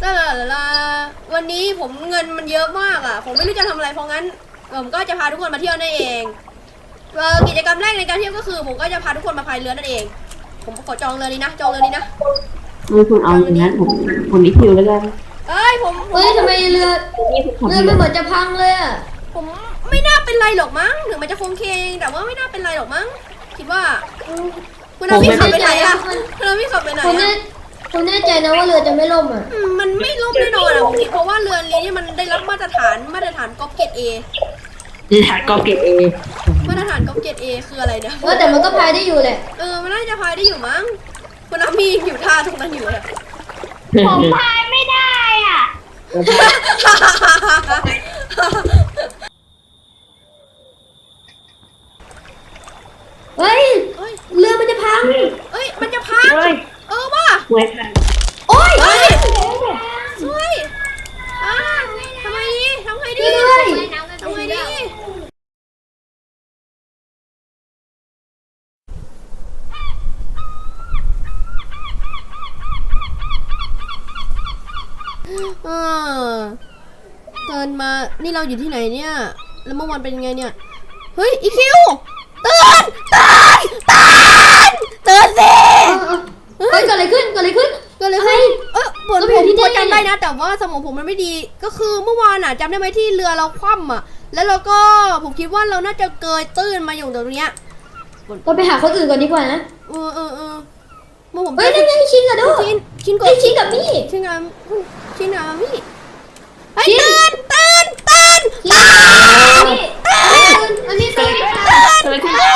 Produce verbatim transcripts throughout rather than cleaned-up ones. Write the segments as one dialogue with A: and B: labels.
A: ลาลาลาลาวันนี้ผมเงินมันเยอะมากอ่ะผมไม่รู้จะทำอะไรเพราะงั้นผมก็จะพาทุกคนมาเที่ยวนั่นเองเออกิจกรรมแรกในการเที่ยวก็คือผมก็จะพาทุกคนมาพายเรือนั่นเองผมขอจองเรือนี้นะจองเรือนี้นะ
B: มือคุณเอาอย่างนั้นผมผมนิคิวแล้วกัน
A: เอ้ยผม
C: เฮ้ยทำไมเรือเรือมันเหมือนจะพังเลยอ่ะ
A: ผมไม่น่าเป็นไรหรอกมั้งถึงมันจะคงเคงแต่ว่าไม่น่าเป็นไรหรอกมั้งคิดว่าคุณน้าพี่ขับไปไหนอ่ะคุณน้าพี่ขับไปไหน
C: คุณแน่คุณแน่ใจนะว่าเรือจะไม่ล่มอ่ะ
A: มันไม่ล่มแน่นอนอ่ะผมคิดเพราะว่าเรือนี้มันได้รับมาตรฐานมาตรฐานก๊อปเกรดเอ
B: มาตรฐานก๊อปเกรดเอ
A: มาตรฐานก๊อปเกรดเอคืออะไรเนี่ย
C: ว่าแต่มันก็พายได้อยู่แหละ
A: เออมันน่าจะพายได้อยู่มั้งคุณน้ามีอยู่ท่าตรงนั้นอยู่เลย
D: ผมพายไม่ได้อ่ะ
C: เฮ้ยเรือมันจะพัง
A: เอ้ยมันจะพังเออว่ะ
B: สวยค่ะ
A: โอ้ยสวยอ่าทำไมดีทำไงดีทำไงดีเออเตือนมานี่เราอยู่ที่ไหนเนี่ยแล้วเมื่อวานเป็นยังไงเนี่ยเฮ้ยอีคิวเตือนเตือนเตือนเตือนสิ
C: เฮ้ยเกิดอะไรขึ้นเกิดอะไรขึ้น
A: เกิดอะไรขึ้นเออผมผมพอจำได้นะแต่ว่าสมองผมมันไม่ดีก็คือเมื่อวานอ่ะจำได้ไหมที่เรือเราคว่ำอ่ะแล้วเราก็ผมคิดว่าเราน่าจะเกยตื้นมาอยู่ตรงเนี้ย
C: เราไปหาคนอื่นก่อนดีกว่านะ
A: เออเออเออเมื่อผม
C: เฮ้ยนั่นไงชินกับดู
A: ชินชินกับ
C: ชินกับมี่
A: ชินกับชินกับมี่ไอ้ตื่นตื่นตื่นตื่น
C: อันนี้ตื่น
B: ตื่นตื่น
C: ตื่น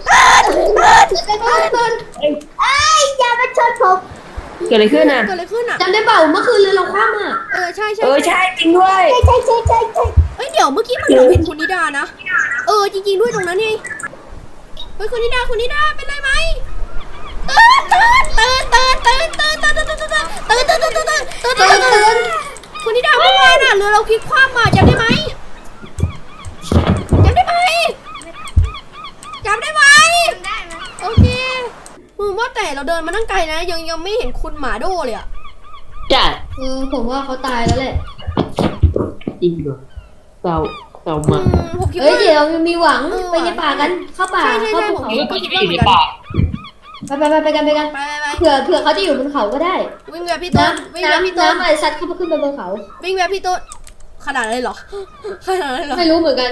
C: ตื่นไอ้อย่ามาชนผม
B: เกิดอะไรขึ้นอ่ะ
A: เกิดอะไรขึ้นอ่ะ
C: จำได้เปล่าเมื่อคืนเรือเราคว่ำอ่ะ
A: เออใช่ใช่
B: เออใช่จริงด้วย
C: ใช่ใช่ใช่ใช่ใช่
A: เอ้ยเดี๋ยวเมื่อกี้มันเราเห็นคุณนิดานะเออจริงๆด้วยตรงนั้นนี่เฮ้ยคุณนิดาคุณนิดาเป็นไรไหมตื่นตื่นตื่นตื่นตื่นตื่นตื่นตื่นตื่นตื่นตื่นตื่นตื่นตื่นตื่นตื่นตื่นคุณนิดาเมื่อวานอ่ะเรือเราพลิกคว่ำมาจำได้ไหมจำได้ไหมจำได้ไหมโอเคอืมว่าแต่เราเดินมาตั้งไกลนะยังยังไม่เห็นคุณหมาโดเลยอ่ะ
B: จ้ะ
C: เออผมว่าเขาตายแล้วแหละ
B: จริงเหรอเศร้าเศร้ามาก
C: เฮ้ยเดี๋ยวมีหวังไปในป่ากันเข้าป่าเข้าภูเขา
A: ก็คิดว่าเหมือนกัน
C: ไปไปไปไปกันไปกันเผื่อเผื่อเขาจะอยู่บนเขาก็ได้
A: วิ่งแบบพี่ต้นวิ่งแบบพี่ต้น
C: น้ำอะไรซัดเข้าไปขึ้นไปบนเขา
A: วิ่งแบบพี่ต้นขนาดเลยเหรอขนาดเลยเหรอ
C: ไม่รู้เหมือนกัน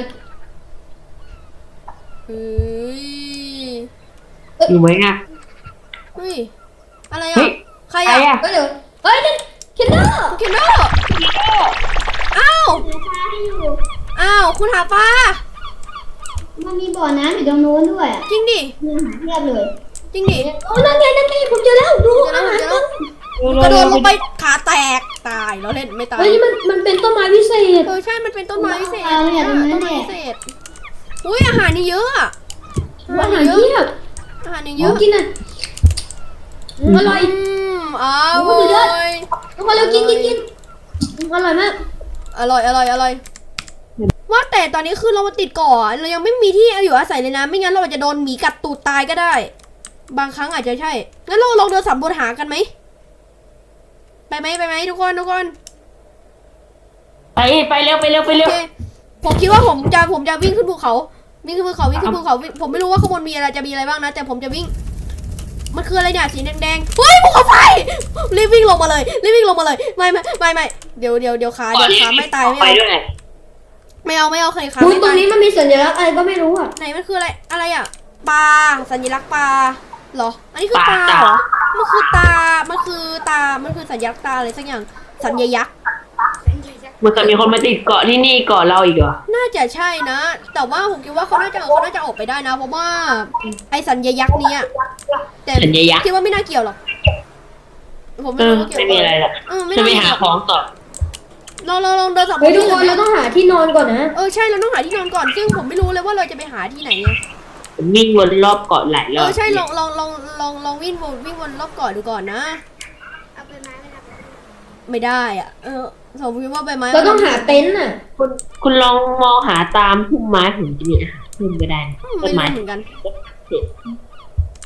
A: เฮ้ย
B: อยู่ไหมอ่ะ
A: เฮ้ยอะไรอ่ะใครอ่ะ
C: ก็เดี๋ยวเฮ้ยนั่นเคนเนอร์
A: เคนเนอร์อ้าวอ้าวคุณหาปลา
C: มันมีบ่อน้ำอยู่ตรงโน้นด้วย
A: จริงดิ
C: เทียบเลย
A: จริงดิ
C: โอ้นั่นไงนั่นไงผมเจอแล้วดู
A: อาหารกระโดดลงไปขาแตกตายแล้วเล่นไม่ตาย
C: เฮ้ยมันมันเป็นต้นไม้พิเศษ
A: เออใช่มันเป็นต้นไม้พิเศษต้นไม้พิเศษอุ้ยอาหารนี่เยอะอ่ะ
C: อาหารเยอะ
A: อาหารนี่เยอะ
C: กินอ่ะอร่อย
A: อร่อย
C: ทุกคนเร็วกินกินกินอร่อยมาก
A: อร่อยอร่อยอร่อยว่าแต่ตอนนี้คือเรามาติดเกาะเรายังไม่มีที่อยู่อาศัยเลยนะไม่งั้นเราจะโดนหมีกัดตูดตายก็ได้บางครั้งอาจจะใช่งั้นเราลองเดินสำรวจหากันไหมไปไหมไปไหมทุกคนทุกคน
B: ไปไปเร็วไปเร็วไปเร็ว
A: ผมคิดว่าผมจะผมจะวิ่งขึ้นภูเขาวิ่งขึ้นภูเขาวิ่งขึ้นภูเขาผมไม่รู้ว่าข้างบนมีอะไรจะมีอะไรบ้างนะแต่ผมจะวิ่งมันคืออะไรเนี่ยสีแดงๆเฮ้ยภูเขาไฟรีบวิ่งลงมาเลยรีบวิ่งลงมาเลยไม่ไม่ไม่ไม่เดี๋ยวเดี๋ยวเดี๋ยวขาเดี๋ยวขาไม่ตายไม่เอาไม่เอาไม่เอาใครขาไม่ตาย
C: ตรงนี้มันมีสัญลักษณ์อะไรก็ไม่รู้อ่ะ
A: ไหนมันคืออะไรอะไรอ่ะปลาสัญลักษณ์ปลาเหรออันนี้คือตาเหรอมันคือตามันคือตามันคือสัญลักษณ์ตาอะไรสักอย่างสัญยักษ์
B: มันจะมีคนมาติดเกาะที่นี่เกาะเราอีกเหรอ
A: น่าจะใช่นะแต่ว่าผมคิดว่าเขาน่าจะเขาน่าจะออกไปได้นะเพราะว่าไอสัญยักษ์นี้แต่คิดว่าไม่น่าเกี่ยวหรอก
B: ผมไม่รู้ว่าเกี่ยวไม่มีอะไรหรอกจะไปหาของต่อ
A: เราเราลองเดินสำรวจ
C: เฮ้ยทุกคนเราต้องหาที่นอนก่อนนะ
A: เออใช่เราต้องหาที่นอนก่อนซึ่งผมไม่รู้เลยว่าเราจะไปหาที่ไหนไง
B: วิ่งวนรอบเกาะหลายรอบ
A: เออใช่ลองลองลองลองลองวิ่งวนวิ่งวนรอบเกาะดูก่อนนะเอาใบไม้ไม่ได้อ่ะเออผมคิดว่าใบไม้
C: เราต้องหาเต็นท์อ่ะ
B: คุณคุณลองมองหาตามพุ่มไม้ผมจะมีอาหารเพิ่มก็ได้
A: ต้นไม้เหมือนกัน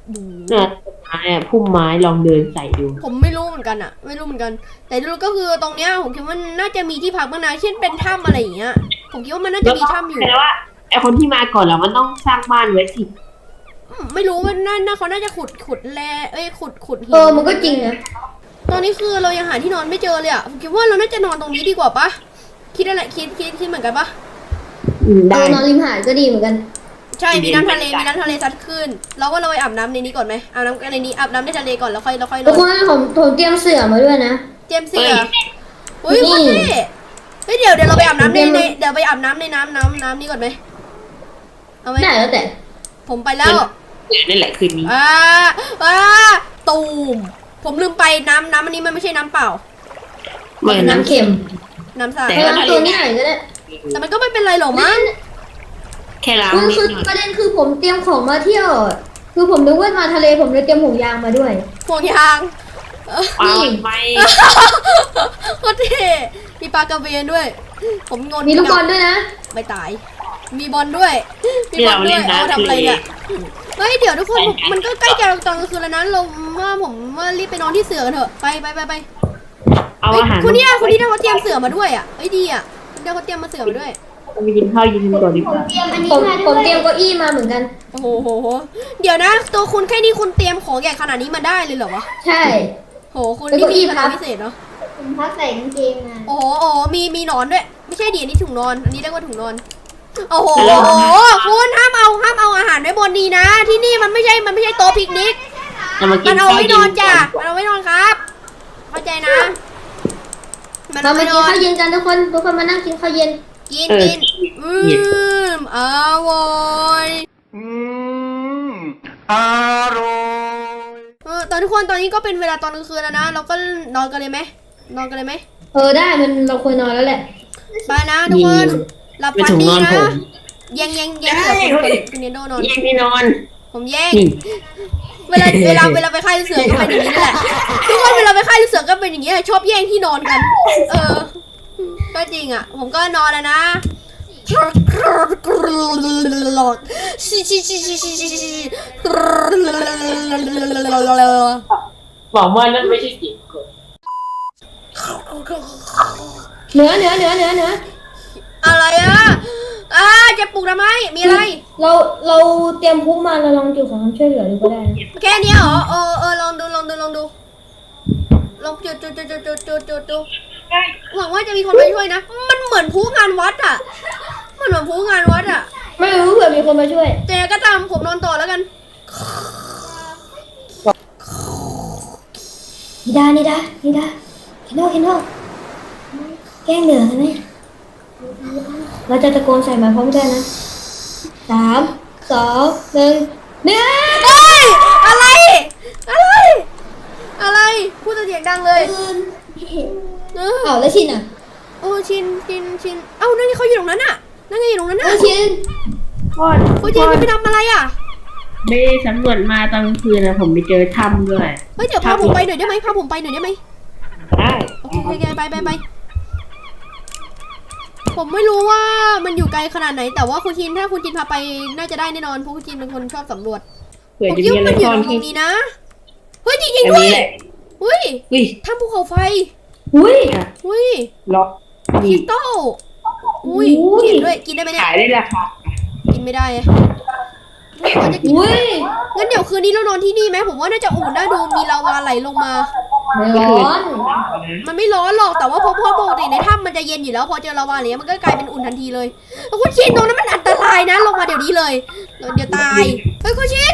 A: บู
B: เนี่ยไม้อะพุ่มไม้ลองเดินใส่ดู
A: ผมไม่รู้เหมือนกันอะไม่รู้เหมือนกัน แต่รู้ก็คือตรงเนี้ยผมคิดว่าน่าจะมีที่พักบ้างนะเช่นเป็นถ้ำอะไรอย่างเงี้ยผมคิดว่ามันน่าจะมีถ้ำอยู่
B: แปลว่าไอคนที่มาก่อนเรามันต้องสร้างบ้านไว้สิ
A: อืมไม่รู้ว่าน่าน่าเขาน่าจะขุดขุดแร่เอ้ยขุดขุดหิน
C: เออมันก็จริงนะ
A: ตอนนี้คือเรายังหาที่นอนไม่เจอเลยอะผมคิดว่าเราน่าจะนอนตรงนี้ดีกว่าปะคิดอะไรคิดคิดคิดเหมือนกันปะ
B: อืม
C: เอ
B: ได้
C: อนอนริมหาดก็ดีเหมือนกัน
A: ใช่มีน้ำทะเลมีน้ำทะเลซัดขึ้นเราก็เราไปอาบน้ำในนี้ก่อนไหมอาบน้ำในนี้อาบน้ำในทะเลก่อนแล้วค่อยแล้วค่อยน
C: ทุก
A: อน
C: คนผมผมเตรียมเสื่อมาด้วยนะ
A: เจมส์เสืออุ้ยคนนี้เฮ้ยเดี๋ยวเดี๋ยวเราไปอาบน้ำในในเดี๋ยวไปอาบน้ำในน้ำน้ำน้ำนี้ก่อนไหมเอาไหม
C: ได้แล้วแต่
A: ผมไปแล้ว
B: นั่นแหละคืนนี้
A: อ่าอ่าตูมผมลืมไปน้ำน้ำอันนี้มันไม่ใช่น้ำเปล่า
B: เหมือน
C: น้ำ
B: น้ำ
C: เค็ม
A: น้ำสะอาด
B: แต่
C: เออน้ำตัวนี้หน่อยก็ได้
A: แต่มันก็ไม่เป็นไรหรอกมั้ง
B: แค่ล้าง
C: คือ
B: นิด
C: คือ
B: หน่อย
C: ประเด็นคือผมเตรียมของมาเที่ยว คือผมนึกว่ามาทะเลผมเลยเตรียมห่วงยางมาด้วย
A: ห่วงยาง
B: เอาไป
A: โคตรเท่มีปลากระเบนด้วย ผมงน
C: มีลูกบอลด้วยนะ
A: ไม่ตาย มีบอลด้วยมีบอลด้วยเอาทำอะไรเนี่ยเฮ้ยเดี๋ยวทุกคนผมมันก็ใกล้จะตอนกลางคืนแล้วนะเราว่าผมว่ารีบไปนอนที่เสือกันเถอะไปไปไปไป
B: เอา
A: เฮ้ย
B: อาหาร
A: คนนี้นะคนนี้นะเขาเตรียมเสือมาด้วยอ่ะเฮ้ยดีอ่ะเดี๋ยวเขาเตรียมมาเสือมาด้วย
B: ไปกินข้าวเย็นก่อนดีกว่า
D: เตรียมอันนี้
C: ผม
D: มาด้
C: ผ
D: ว
C: ม
D: ย
C: เตรียมเก้าอี้มาเหมือนกัน
A: โอ้โหโหโหเดี๋ยวนะตัวคุณแค่นี้คุณเตรียมของใหญ่ขนาดนี้มาได้เลยเหรอวะ
C: ใช่
A: โหคุณ
C: แล้ว
A: นี่
C: เก้าอี้
A: มีพลัง
C: พับ
A: พิเศษเนาะ
D: ผมพักใส่กางเกงมา
A: โอ้โหโอ้โหมีมีหนอนด้วยไม่ใช่ดิอันนี้ถุงนอนอันนี้เรียกว่าถุงนอนโอ้โหคุณห้ามเอาห้ามเอาอาหารไว้บนนี้นะ ที่นี่มันไม่ใช่มันไม่ใช่โต๊ะปิกนิก
B: เรามากิ
A: มัน นเอา
B: ข้าว
A: ไว้
B: เย็
A: นอน
B: น
A: จ้ะมันเอาไว้นอนครับ เข้าใจนะ มัน
C: เรา
A: เอา
C: มา
A: ไว้น
C: กิน
A: อน
C: ข้าวเย็นกันทุกคน ทุกคนมานั่งกินข้าวเย็น
A: กิน
B: เออ
A: กินอืมอร่อย
E: Mm, arroz.
A: เออตอนทุกคนตอนนี้ก็เป็นเวลาตอนกลางคืนแล้วนะ เราก็นอนกันเลยไหมนอนกันเลยไหม
C: เออได้มันเราควรนอนแล้วแหละ
A: ไปนะทุกคนหลับ
B: เป็น
A: ฝัน
B: ถุง
A: ดี
B: นอน
A: นะ
B: ผม
A: แย่งแย่งแย่งเสือคุณคุณคุณเนโดนอน
B: แย่งที่นอน
A: ผมแย่ง
B: นี่
A: เวลาเวลาเวลาไปค่ายลูกเสือก็เป็นอย่างนี้แหละทุกคนเวลาไปค่ายลูกเสือก็เป็นอย่างนี้ชอบแย่งที่นอนกัน เออ ก็จริงอ่ะ ผมก็นอนแล้วนะชิชิชิชิชิชิชิ
B: บอกว่านั่นไม่ใช่เสียงคน
C: เนื้อเนื้อเนื้อเนื้อเนื้อ
A: อะไรอ่ะอ่าจะปลุกทำไมมีอะไร
C: เราเราเตรียมพุกมาเราลองจุดของความช่วยเหลือดูก็ได้นะ
A: แค่นี้เหรอเออเออลองดูลองดูลองดูลองจุดจุดจุดจุดจุดจุดจุดดูหวังว่าจะมีคนมาช่วยนะ มันเหมือนผู้งานวัดอ่ะมันเหมือนผู้งานวัดอ่ะ
C: ไม่รู้เผื่อมีคนมาช่วย
A: แต่ก็ตามผมนอนต่อแล้วกัน
C: นิดานิดานิดาเห็นโน่เห็นโน่แกล้งเหนือกันไหมเราจะตะโกนใส่มาพร้อมกันนะสามสองหนึ่งเนื้อ
A: เฮ้ยอะไร อะไร อะไร พูดเสียงดังเลยเออ
C: เอาแล้วชินอ่ะ
A: โอ้ชินชินชินเอ้านั่นไงเขาอยู่ตรงนั้นน่ะนั่นไงอยู่ตรงนั้น
C: เอา
A: น่ะ
C: ชิน
B: พ่อ
A: เขาชินไปทำอะไรอ่ะ
B: ไม่ได้สำรวจมาตอนกลางคืนนะผมไปเจอถ้ำด้วย
A: เฮ้ยเดี๋ยวพาผมไปหน่อยได้ไหมพาผมไปหน่อยได้ไหม
B: ได้
A: โอเคโอเคไปไปไปผมไม่รู้ว่ามันอยู่ไกลขนาดไหน แต่ว่าคุณชินถ้าคุณชินพาไปน่าจะได้แน่นอนเพราะคุณชินเป็นคนชอบสำรวจ
B: เผื่อ
A: ผม
B: จะ
A: คิด
B: มี
A: ว่า
B: อะไร
A: มันอยู่
B: ซ่อน
A: ตร
B: ที่
A: งนี้นะเฮ้ยจริง
B: อั
A: ๆ
B: น
A: ด้วย
B: นี้แหละ
A: เฮ้ย
B: อุ้ย
A: ถ้ำภูเขาไฟ
C: อุ้ย
A: อุ้ย
B: ล็อก
A: ค
B: นี่
A: ริสตัลอุ้ย
C: อุ้ย
A: เห็นด้วยกินได้ไหมเนี่ย
B: ขายได้ราคา
A: กินไม่ได้อะเขาจะกิน
C: อุ้ย
A: งั้นเดี๋ยวคืนนี้เรานอนที่นี่ไหมผมว่าน่าจะอุ่นน่าดูมีลาวาไหลลงมา
C: ไม่ร้อน
A: มันไม่ร้อนหรอกแต่ว่าพอพอปกติในถ้ำมันจะเย็นอยู่แล้วพอเจอลาวาอะไรเงี้ยมันก็กลายเป็นอุ่นทันทีเลยแล้วคุณชินตรงนั้นมันอันตรายนะลงมาเดี๋ยวนี้เลยเดี๋ยวตายเฮ้ยคุณชิ